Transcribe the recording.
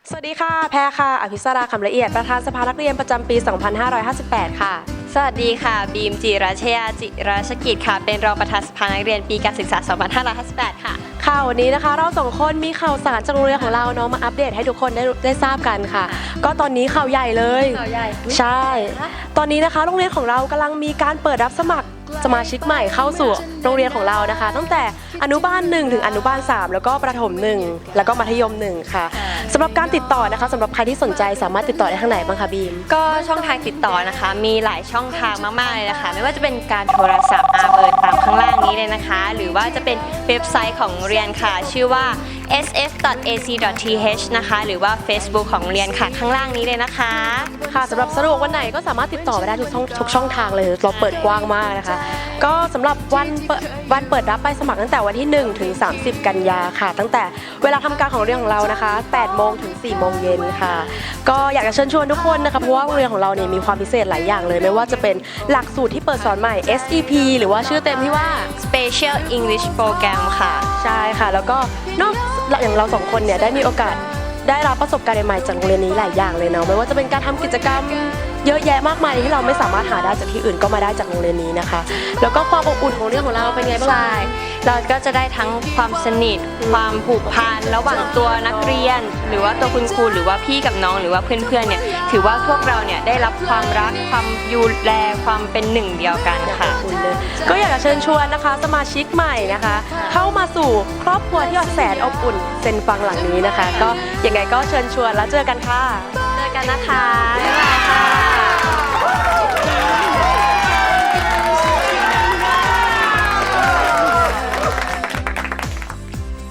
สวัสดีค่ะแพรค่ะอภิสราคำละเอียดประธานสภานักเรียนประจำปี 2558 ค่ะสวัสดีค่ะบีมจิราชยาจิราชกิจค่ะเป็นรองประธานสภานักเรียนปีการศึกษา 2558 ค่ะค่ะวันนี้นะคะเราสองคนมีข่าวสารจากโรงเรียนของเราเนาะมาอัปเดตให้ทุกคนได้ทราบกันค่ะก็ตอนนี้ข่าวใหญ่เลยข่าวใหญ่ใช่ตอนนี้นะคะโรงเรียนของเรากำลังมีการเปิดรับสมัครสมาชิกใหม่เข้าสู่โรงเรียนของเรานะคะตั้งแต่อนุบาล1ถึงอนุบาล3แล้วก็ประถม1แล้วก็มัธยม1ค่ะสำหรับการติดต่อนะคะสำหรับใครที่สนใจสามารถติดต่อได้ทางไหนบ้างคะบีมก็ช่องทางติดต่อนะคะมีหลายช่องทางมากๆเลยนะคะไม่ว่าจะเป็นการโทรศัพท์เบอร์ตามข้างล่างนี้เลยนะคะหรือว่าจะเป็นเว็บไซต์ของโรงเรียนค่ะชื่อว่า sf.ac.th นะคะหรือว่า Facebook ของโรงเรียนค่ะข้างล่างนี้เลยนะคะค่ะสำหรับสะดวกวันไหนก็สามารถติดต่อไปได้ทุกช่องทางเลยเราเปิดกว้างมากนะคะก็สำหรับวันเปิดรับใบสมัครตั้งแต่วันที่1ถึง30 กันยาค่ะตั้งแต่เวลาทำการของโรงเรียนของเรานะคะ8 โมงถึง 4 โมงเย็นค่ะก็อยากจะเชิญชวนทุกคนนะคะเพราะว่าโรงเรียนของเราเนี่ยมีความพิเศษหลายอย่างเลยไม่ว่าจะเป็นหลักสูตรที่เปิดสอนใหม่ SEP หรือว่าชื่อเต็มที่ว่า Special English Program ค่ะใช่ค่ะแล้วก็นอกอย่างเราสองคนเนี่ยได้มีโอกาสได้รับประสบการณ์ใหม่ๆจากโรงเรียนนี้หลายอย่างเลยเนาะไม่ว่าจะเป็นการทำกิจกรรมเยอะแยะมากมายที่เราไม่สามารถหาได้จากที่อื่นก็มาได้จากโรงเรียนนี้นะคะแล้วก็ความอบอุ่นของโรงเรียนของเราเป็นไงบ้างใช่เราก็จะได้ทั้งความสนิทความผูกพันระหว่างตัวนักเรียนหรือว่าตัวคุณครูหรือว่าพี่กับน้องหรือว่าเพื่อนๆเนี่ยถือว่าพวกเราเนี่ยได้รับความรักความดูแลความเป็นหนึ่งเดียวกันค่ะก็อยากจะเชิญชวนนะคะสมาชิกใหม่นะคะเข้ามาสู่ครอบครัวที่แสนอบอุ่นเซนฟังหลังนี้นะคะก็ยังไงก็เชิญชวนแล้วเจอกันค่ะเจอกันนะคะบ๊ายบายค่ะ